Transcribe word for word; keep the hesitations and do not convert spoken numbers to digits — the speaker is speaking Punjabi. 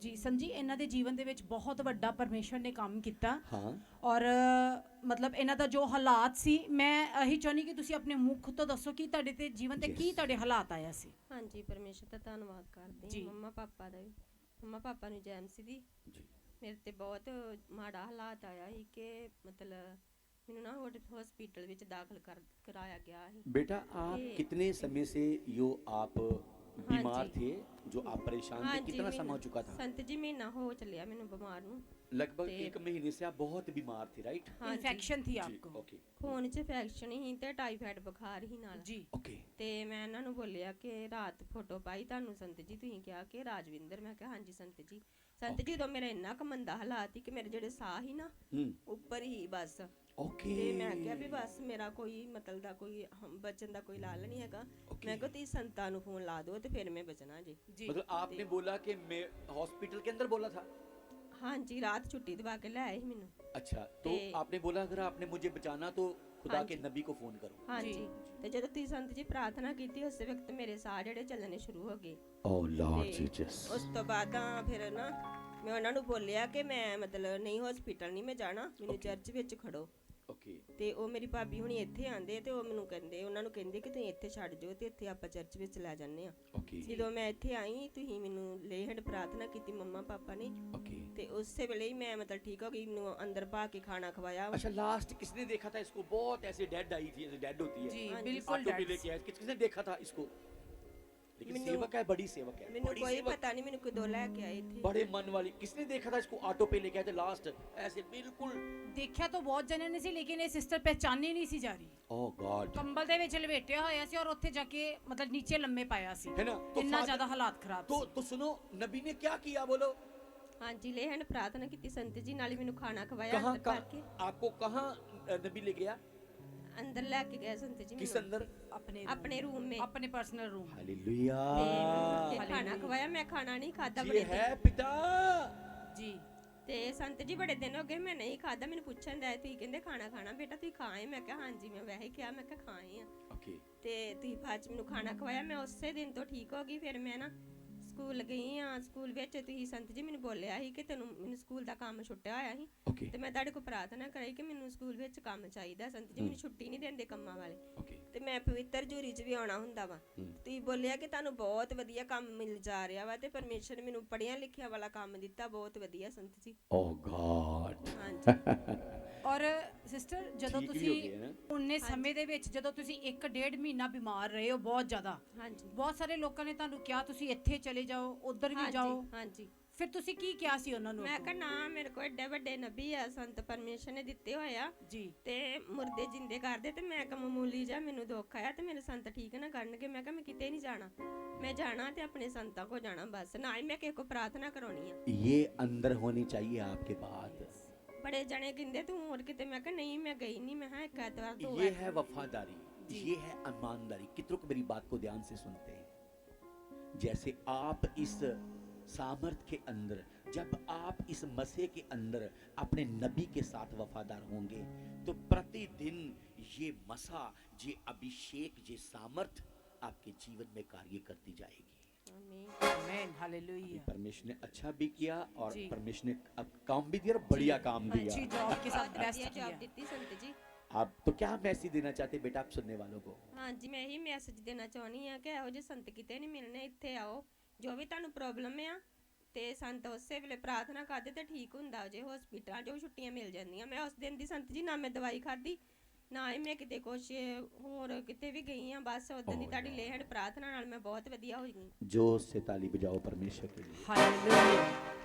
ਜੀ ਸੰਤ ਜੀ, ਇਹਨਾਂ ਦੇ ਜੀਵਨ ਦੇ ਵਿੱਚ ਬਹੁਤ ਵੱਡਾ ਪਰਮੇਸ਼ਰ ਨੇ ਕੰਮ ਕੀਤਾ। ਹਾਂ ਔਰ ਮਤਲਬ ਇਹਨਾਂ ਦਾ ਜੋ ਹਾਲਾਤ ਸੀ, ਮੈਂ ਇਹੀ ਚਾਹੁੰਦੀ ਕਿ ਤੁਸੀਂ ਆਪਣੇ ਮੁਖ ਤੋਂ ਦੱਸੋ ਕਿ ਤੁਹਾਡੇ ਤੇ ਜੀਵਨ ਤੇ ਕੀ Yes. ਤੁਹਾਡੇ ਹਾਲਾਤ ਆਇਆ ਸੀ। ਹਾਂਜੀ, ਪਰਮੇਸ਼ਰ ਦਾ ਧੰਨਵਾਦ ਕਰਦੇ ਜੀ। ਹਾਂ। ਮੰਮਾ ਪਾਪਾ ਦਾ ਵੀ, ਮੰਮਾ ਪਾਪਾ ਨੂੰ ਜੈਮਸੀ ਦੀ ਜੀ ਮੇਰੇ ਤੇ ਬਹੁਤ ਮਾੜਾ ਹਾਲਾਤ ਆਇਆ ਸੀ ਕਿ ਮਤਲਬ ਮੈਨੂੰ ਨਾ ਹਸਪੀਟਲ ਵਿੱਚ ਦਾਖਲ ਕਰ ਕਰਾਇਆ ਗਿਆ ਸੀ। बेटा आप ये- कितने समय से यो आप बीमार हाँ जी। थे, जो आप परेशान थे, ਹਾਂਜੀ, कितना समय हो ਮਹੀਨਾ- चुका था? ਸੰਤ जी ਮਹੀਨਾ ਹੋ ਚੱਲਿਆ ਮੈਨੂੰ ਬਿਮਾਰ ਨੂੰ। लगभग ते- एक महीने से आप बहुत बीमार थे, राइट? ਹਾਂਜੀ, ਇਨਫੈਕਸ਼ਨ ਥੀ जी ਆਪਕੋ। ओके ਖੂਨ 'ਚ ਇਨਫੈਕਸ਼ਨ ਸੀ ਤੇ ਟਾਈਫਾਇਡ ਬੁਖਾਰ ਸੀ ਨਾਲ। ਜੀ ओके ਤੇ ਮੈਂ ਇਹਨਾਂ ਨੂੰ ਬੋਲਿਆ ਕਿ ਰਾਤ ਫੋਟੋ ਪਾਈ ਤੁਹਾਨੂੰ ਸੰਤ ਜੀ, ਤੁਸੀਂ ਕਿਹਾ ਕਿ ਰਾਜਵਿੰਦਰ। ਮੈਂ ਕਿਹਾ ਹਾਂਜੀ ਸੰਤ ਜੀ। ਸੰਤ ਜੀ ਉਦੋਂ ਮੇਰਾ ਇੰਨਾ ਕੁ ਮੰਦਾ ਹਾਲਾਤ ਸੀ ਕਿ ਮੇਰੇ ਜਿਹੜੇ ਸਾਹ ਸੀ ਨਾ हम्म ਉੱਪਰ ਹੀ ਬਸ। ओके ਤੇ ਮੈਂ ਕਿਹਾ ਵੀ ਬਸ ਮੇਰਾ ਕੋਈ ਮਤਲਬ ਦਾ ਕੋਈ ਹਮ- ਬਚਣ ਦਾ ਕੋਈ ਲਾਲ ਨਹੀਂ ਹੈਗਾ। Okay. ਮੈਂ ਕਿਹਾ ਤੁਸੀਂ ਸੰਤਾਂ ਨੂੰ ਫੋਨ ਲਾ ਦਿਓ ਤੇ ਫਿਰ ਮੈਂ ਬਚਣਾ ਜੀ। ਜੀ मतलब आपने बोला कि मैं हॉस्पिटल के अंदर बोला था? ਹਾਂਜੀ, ਰਾਤ ਛੁੱਟੀ ਦਵਾ ਕੇ ਲੈ ਆਏ ਸੀ ਮੈਨੂੰ। अच्छा तो ते- आपने बोला अगर आपने मुझे बचाना तो खुदा हाँ के जी। नबी को फोन करो। ਹਾਂਜੀ, ਜੀ। ਤੇ ਜਦੋਂ ਤੁਸੀਂ ਸੰਤ ਜੀ ਪ੍ਰਾਰਥਨਾ ਕੀਤੀ ਉਸੇ ਵਕਤ ਮੇਰੇ ਸਾਹ ਜਿਹੜੇ ਚੱਲਣੇ ਸ਼ੁਰੂ ਹੋ ਗਏ। Oh Lord ਤੇ Jesus. ਉਸ ਤੋਂ ਬਾਅਦ ਤਾਂ ਫਿਰ ਨਾ ਮੈਂ ਉਹਨਾਂ ਨੂੰ ਬੋਲਿਆ ਕਿ ਮੈਂ ਮਤਲਬ ਨਹੀਂ ਹਸਪੀਟਲ ਨਹੀਂ ਮੈਂ ਜਾਣਾ, ਮੈਨੂੰ Okay. ਚਰਚ ਵਿੱਚ ਖੜੋ। ओके ਤੇ ਉਹ ਮੇਰੀ ਭਾਬੀ ਹੁਣੀ ਇੱਥੇ ਆਂਦੇ ਤੇ ਉਹ ਮੈਨੂੰ ਕਹਿੰਦੇ, ਉਹਨਾਂ ਨੂੰ ਕਹਿੰਦੇ ਕਿ ਤੁਸੀਂ ਇੱਥੇ ਛੱਡ ਜਾਓ ਤੇ ਇੱਥੇ ਆਪਾਂ ਚਰਚ ਵਿੱਚ ਲੈ ਜਾਂਦੇ ਆ। ओके ਜਦੋਂ ਮੈਂ ਇੱਥੇ ਆਈ ਤੁਸੀਂ ਮੈਨੂੰ ਲੇਹੜ ਪ੍ਰਾਰਥਨਾ ਕੀਤੀ ਮੰਮਾ ਪਾਪਾ ਨੇ, ओके ਤੇ ਉਸੇ ਵੇਲੇ ਹੀ ਮੈਂ ਮਤਲਬ ਠੀਕ ਹੋ ਗਈ। ਮੈਨੂੰ ਅੰਦਰ ਪਾ ਕੇ ਖਾਣਾ ਖਵਾਇਆ। अच्छा लास्ट किसने देखा था इसको? बहुत ऐसे डेड आई थी, ऐसे डेड होती है। जी हाँ जी। बिल्कुल ऑटो पे डैड। लेके आए, किस किसने देखा था इसको? लेकिन मैंने- सेवक है, बड़ी सेवक है, ਮੈਨੂੰ बड़ी ਕੋਈ सेवक, ਪਤਾ ਨਹੀਂ ਮੈਨੂੰ ਕਦੋਂ ਲੈ ਕੇ ਆਏ ਇੱਥੇ। बड़े मन वाली। किसने देखा था इसको ऑटो पे लेके आए थे लास्ट? ऐसे बिल्कुल ਦੇਖਿਆ ਤਾਂ ਬਹੁਤ ਜਣਿਆਂ ਨੇ ਸੀ, ਲੇਕਿਨ ਇਹ ਸਿਸਟਰ ਪਹਿਚਾਨੀ ਨਹੀਂ ਸੀ ਜਾ ਰਹੀ। ओह गॉड, ਕੰਬਲ ਦੇ ਵਿੱਚ ਲਪੇਟਿਆ ਹੋਇਆ ਸੀ ਔਰ ਉੱਥੇ ਜਾ ਕੇ ਮਤਲਬ ਨੀਚੇ ਲੰਮੇ ਪਾਇਆ ਸੀ। है ना? तो ਇੰਨਾ फादर- ਜ਼ਿਆਦਾ ਹਾਲਾਤ ਖਰਾਬ तो ਸੀ। तो सुनो, नबी ने क्या किया बोलो? ਹਾਂਜੀ, ਲੇਹੜ ਪ੍ਰਾਰਥਨਾ ਕੀਤੀ ਸੰਤ ਜੀ ਨਾਲ ਹੀ ਮੈਨੂੰ ਖਾਣਾ ਖਵਾਇਆ कहाँ ਅੰਦਰ ਪਾ ਕੇ। कहाँ आपको कहाँ अ, नबी ले गया? ਅੰਦਰ ਲੈ ਕੇ ਗਏ ਸੰਤ ਜੀ किस ਮੈਨੂੰ अंदर? ਆਪਣੇ ਆਪਣੇ ਰੂਮ में। ਆਪਣੇ ਪਰਸਨਲ ਰੂਮ। हालेलुया। ਤੇ ਖਾਣਾ ਹਾਲੇਲੂਇਆ। ਖਵਾਇਆ, ਮੈਂ ਖਾਣਾ ਨਹੀਂ ਖਾਦਾ ये ਬੜੇ है ਦਿਨ। पिता। ਜੀ ਤੇ ਸੰਤ ਜੀ ਬੜੇ ਦਿਨ ਹੋ ਗਏ ਮੈਂ ਨਹੀਂ ਖਾਦਾ। ਮੈਨੂੰ ਪੁੱਛਣ ਦਾ ਤੁਸੀਂ ਕਹਿੰਦੇ ਖਾਣਾ ਖਾਣਾ ਬੇਟਾ, ਤੁਸੀਂ ਖਾਏ? ਮੈਂ ਕਿਹਾ ਹਾਂਜੀ, ਮੈਂ ਵੈਸੇ ਕਿਹਾ, ਮੈਂ ਕਿਹਾ ਖਾਏ ਆ। ओके ਤੇ ਤੁਸੀਂ ਬਾਅਦ ਚ ਮੈਨੂੰ ਖਾਣਾ ਖਵਾਇਆ, ਮੈਂ ਉਸੇ ਦਿਨ ਤੋਂ ਠੀਕ ਹੋ ਗਈ। ਫਿਰ ਮੈਂ ਨਾ ਸਕੂਲ ਗਈ ਆ। ਸਕੂਲ ਵਿੱਚ ਤੁਸੀਂ ਸੰਤ ਜੀ ਮੈਨੂੰ ਬੋਲਿਆ ਸੀ ਕਿ ਤੈਨੂੰ, ਮੈਨੂੰ ਸਕੂਲ ਦਾ ਕੰਮ ਛੁੱਟਿਆ ਹੋਇਆ ਸੀ ओके ਤੇ ਮੈਂ ਤੁਹਾਡੇ ਕੋਲ ਪ੍ਰਾਰਥਨਾ ਕਰਾਈ ਕਿ ਮੈਨੂੰ ਸਕੂਲ ਵਿੱਚ ਕੰਮ ਚਾਹੀਦਾ। ਸੰਤ ਜੀ ਮੈਨੂੰ ਛੁੱਟੀ ਨਹੀਂ ਦਿੰਦੇ ਕੰਮਾਂ ਵਾਲੇ, ओके ਤੇ ਮੈਂ ਪਵਿੱਤਰ ਜੂਰੀ 'ਚ ਵੀ ਆਉਣਾ ਹੁੰਦਾ ਵਾ। ਹੂੰ। ਤੁਸੀਂ ਬੋਲਿਆ ਕਿ ਤੁਹਾਨੂੰ ਬਹੁਤ ਵਧੀਆ ਕੰਮ ਮਿਲ ਜਾ ਰਿਹਾ ਵਾ ਤੇ ਪਰਮੇਸ਼ਰ ਨੇ ਮੈਨੂੰ ਪੜ੍ਹਿਆ ਲਿਖਿਆ ਵਾਲਾ ਕੰਮ ਦਿੱਤਾ। ਬਹੁਤ ਵਧੀਆ ਸੰਤ ਜੀ। Oh God. ਹਾਂਜੀ। ਔਰ ਸਿਸਟਰ, ਜਦੋਂ ਠੀਕ ਵੀ ਤੁਸੀਂ ਹੋ ਗਏ ਨਾ? ਉਨੇ ਸਮੇਂ ਦੇ ਵਿੱਚ ਜਦੋਂ ਤੁਸੀਂ ਇੱਕ ਡੇਢ ਮਹੀਨਾ ਬਿਮਾਰ ਰਹੇ ਹੋ ਬਹੁਤ ਜ਼ਿਆਦਾ, ਹਾਂਜੀ ਬਹੁਤ ਸਾਰੇ ਲੋਕਾਂ ਨੇ ਤੁਹਾਨੂੰ ਕਿਹਾ ਤੁਸੀਂ ਇੱਥੇ ਚਲੇ ਜਾਓ, ਉਧਰ ਵੀ ਹਾਂਜੀ, ਜਾਓ, ਹਾਂਜੀ। ਫਿਰ ਤੁਸੀਂ ਕੀ ਕਿਹਾ ਸੀ ਉਹਨਾਂ ਨੂੰ? ਮੈਂ ਕਿਹਾ ਨਾ, ਮੇਰੇ ਕੋਲ ਏਡੇ ਵੱਡੇ ਨਬੀ ਆ, ਸੰਤ ਪਰਮੇਸ਼ਰ ਨੇ ਦਿੱਤੇ ਹੋਏ ਆ ਜੀ ਤੇ ਮੁਰਦੇ ਜਿੰਦੇ ਕਰਦੇ। ਤੇ ਮੈਂ ਕਿਹਾ ਮਾਮੂਲੀ ਜਿਹਾ ਮੈਨੂੰ ਦੁੱਖ ਆਇਆ ਤੇ ਮੇਰੇ ਸੰਤ ਠੀਕ ਨਾ ਕਰਨਗੇ। ਮੈਂ ਕਿਹਾ ਮੈਂ ਕਿਤੇ ਨਹੀਂ ਜਾਣਾ, ਮੈਂ ਜਾਣਾ ਤੇ ਆਪਣੇ ਸੰਤਾਂ ਕੋ ਜਾਣਾ ਬਸ, ਨਾ ਹੀ ਮੈਂ ਕਿਸੇ ਕੋ ਪ੍ਰਾਰਥਨਾ ਕਰਾਉਣੀ ਆ। ये अंदर होनी चाहिए आपके बात। ਬੜੇ ਜਣੇ ਕਹਿੰਦੇ ਤੂੰ ਹੋਰ ਕਿਤੇ, ਮੈਂ ਕਿਹਾ ਨਹੀਂ ਮੈਂ ਗਈ ਨਹੀਂ। ਮੈਂ ਹਾਂ ਇੱਕ ਐਤਵਾਰ ਦੋ ये ਐਤਵਾਰ। है वफादारी, ये है ईमानदारी। कितनों को मेरी बात को ध्यान से सुनते हैं? जैसे आप इस सामर्थ के अंदर, जब आप इस मसीह के अंदर अपने नबी के साथ वफादार होंगे तो प्रतिदिन ये मसा, ये अभिषेक, ये सामर्थ आपके जीवन में कार्य करती जाएगी। आमीन। Amen hallelujah. परमेश्वर ने अच्छा भी किया और जी। परमेश्वर ने अब काम भी दिया और बढ़िया काम अच्छी दिया। जॉब के साथ ਬਹੁਤ बेस्ट ਵਧੀਆ किया। ਜਵਾਬ ਦਿੱਤੀ ਸੰਤ ਜੀ। आप तो क्या मैसेज देना चाहते हैं बेटा आप सुनने वालों को? ਹਾਂਜੀ, ਮੈਂ ਇਹੀ ਮੈਸੇਜ ਦੇਣਾ ਚਾਹੁੰਦੀ ਆ ਕਿ ਇਹੋ ਜਿਹੇ ਸੰਤ ਕਿਤੇ ਨਹੀਂ ਮਿਲਣੇ। ਇੱਥੇ ਆਓ, ਜੋ ਵੀ ਤੁਹਾਨੂੰ ਪ੍ਰੋਬਲਮ ਆ ਤੇ ਸੰਤ ਉਸੇ ਵੇਲੇ ਪ੍ਰਾਰਥਨਾ ਕਰਦੇ ਤੇ ਠੀਕ ਹੁੰਦਾ। ਜੇ ਹਸਪੀਟਲਾਂ 'ਚੋਂ ਛੁੱਟੀਆਂ ਮਿਲ ਜਾਂਦੀਆਂ। ਮੈਂ ਉਸ ਦਿਨ ਦੀ ਸੰਤ ਜੀ ਨਾ ਮੈਂ ਦਵਾਈ ਖਾਧੀ, ਨਾ ਹੀ ਮੈਂ ਕਿਤੇ ਕੁਛ ਹੋਰ ਕਿਤੇ ਵੀ ਗਈ ਆ। ਬਸ ਉਦੋਂ ਦੀ Oh, ਤੁਹਾਡੀ yeah. ਲੇਹੜ ਪ੍ਰਾਰਥਨਾ ਨਾਲ ਮੈਂ ਬਹੁਤ ਵਧੀਆ ਹੋ ਗਈ। जोश से ताली बजाओ परमेश्वर के लिए। ਹਾਲੇਲੂਇਆ।